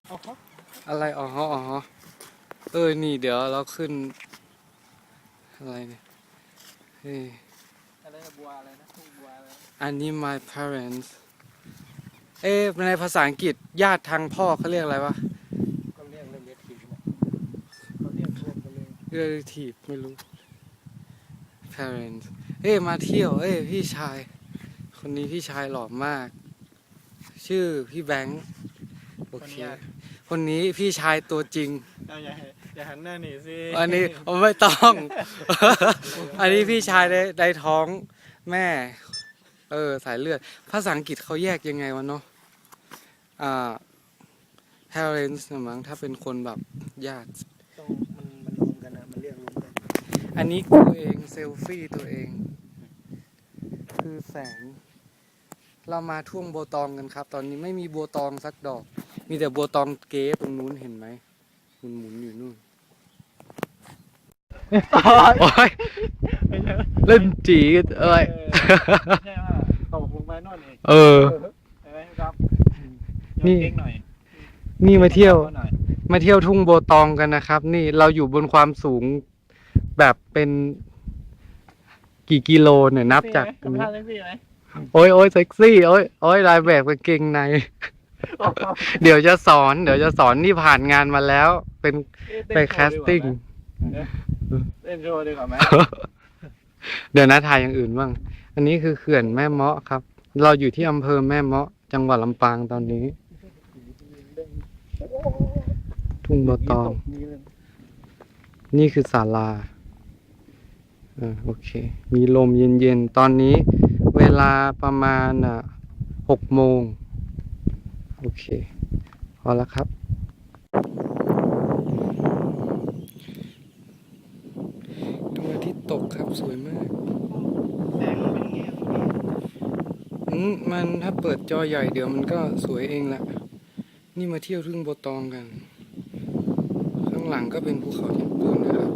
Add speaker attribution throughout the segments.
Speaker 1: อะไรอ๋อนี่เดี๋ยวเราขึ้นอะไรเนี่ยเฮ้ย
Speaker 2: อะไรบัวอะไรนะทุ่งบัวอะไร
Speaker 1: อันนี้ my parents ในภาษาอังกฤษญาติทางพ่อเขาเรียกอะไรวะ
Speaker 2: ก็เรียกเรียกทีนะเขาเรียกรวมกันเลย
Speaker 1: relative ไม่รู้ parents มาเที่ยวพี่ชายคนนี้พี่ชายหล่อมากชื่อพี่แบงค์โอเคคนนี้พี่ชายตัวจริง
Speaker 2: อย่าหันหน้าหนีสิ
Speaker 1: อันนี้ไม่ต้อง อันนี้พี่ชายในท้องแม่สายเลือดภาษาอังกฤษเขาแยกยังไงวะเนาะparents นะมั้งถ้าเป็นคนแบบญาติ
Speaker 2: ต้องมันรวมกันนะมันเรียกรวมกัน
Speaker 1: อันนี้ตัวเองเซลฟี่ตัวเองคือแสงเรามาทุ่งโบตองกันครับ ตอนนี้ไม่มีโบตองสักดอกมีแต่โบตองเก๋ตรงนู้นเห็นไหมหมุนอยู่นู่นโอ้ยเล่นจีกัน
Speaker 2: ใช่ว่าตกลงไปโน่นเองใช่ไหมครับ
Speaker 1: นี่มาเที่ยวทุ่งโบตองกันนะครับนี่เราอยู่บนความสูงแบบเป็นกี่กิโลเนี่ยนับจากตรงนี้โอ้ยเซ็กซี่โอ้ยลายแบบกางเกงในเดี๋ยวจะสอนนี่ผ่านงานมาแล้วเป็นไปแคสติ้ง
Speaker 2: เล่นโชว์ดีกว่าไหม
Speaker 1: เดี๋ยวนะถ่ายอย่างอื่นบ้างอันนี้คือเขื่อนแม่เมาะครับเราอยู่ที่อำเภอแม่เมาะจังหวัดลำปางตอนนี้ทุ่งโบตองนี่คือศาลาโอเคมีลมเย็นๆตอนนี้เวลาประมาณ6 โมงโอเคพอแล้วครับดวงอาทิตย์ตกครับสวยมากมันถ้าเปิดจอใหญ่เดี๋ยวมันก็สวยเองแหละนี่มาเที่ยวทุ่งโบตองกันข้างหลังก็เป็นภูเขาญี่ปุ่นนะครับ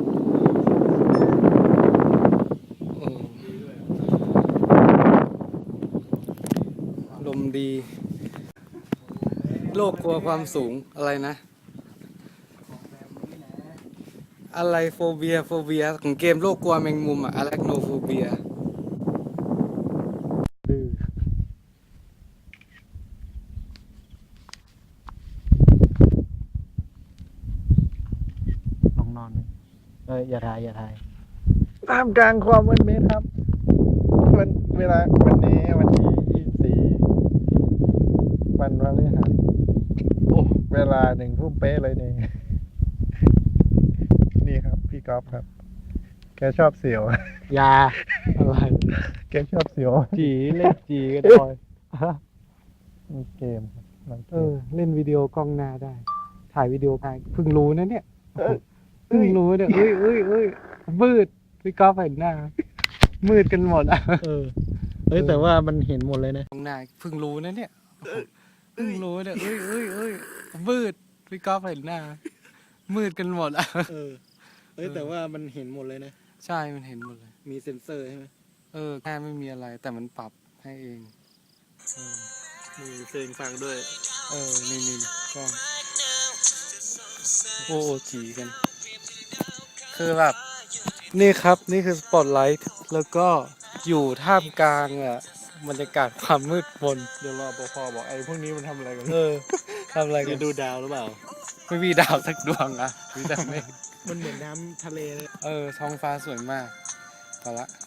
Speaker 1: ลมดีโลกกลัวความสูงอะไรนะอะไรโฟเบียของเกมโลกกลัวแมงมุมอะแลคโนโฟเบีย
Speaker 2: นอนอย่าถ่ายท่ามกลางความมืดมิดครับเวลาวันนี้วันที่24วันพฤหัสเวลา1 ทุ่มเป๊ะเลยนี่ครับพี่ก๊อฟครับแกชอบเสียวยาอะไรแกชอบเสียว
Speaker 1: จีเล่นจีกันบ่อย
Speaker 2: เกม
Speaker 1: เล่นวิดีโอกล้องหน้าได้ถ่ายวิดีโอได้เพิ่งรู้นะเนี่ยเพิ่งรู้เนี่ยมืดพี่ก๊อฟเห็นหน้ามืดกันหมด
Speaker 2: แต่ว่ามันเห็นหมดเลยนะ
Speaker 1: กล้องหน้าเพิ่งรู้นะเนี่ยเพิ่งรู้เนี่ยมืดพี่ก๊อฟเห็นหน้ามืดกันหมด
Speaker 2: แต่ว่ามันเห็นหมดเลยนะ
Speaker 1: ใช่มันเห็นหมดเลย
Speaker 2: มีเซ็นเซอร์ใช่ไหม
Speaker 1: แค่ไม่มีอะไรแต่มันปรับให้เอง
Speaker 2: มีเพลงฟังด้วย
Speaker 1: นี่ก็โอ้จีกันคือแบบนี่ครับนี่คือสปอตไลท์แล้วก็อยู่ท่ามกลางบรรยากาศความมืดมน
Speaker 2: เดี๋ยวรอปภบอกไอ้พวกนี้มันทำอะไรกัน
Speaker 1: ทำอะไรกัน
Speaker 2: ดูดาวหรือเปล่า
Speaker 1: ไม่มีดาวสักดวงมีแต่เมฆ
Speaker 2: มันเหมือนน้ำทะเลเลย
Speaker 1: ท้องฟ้าสวยมากพอละ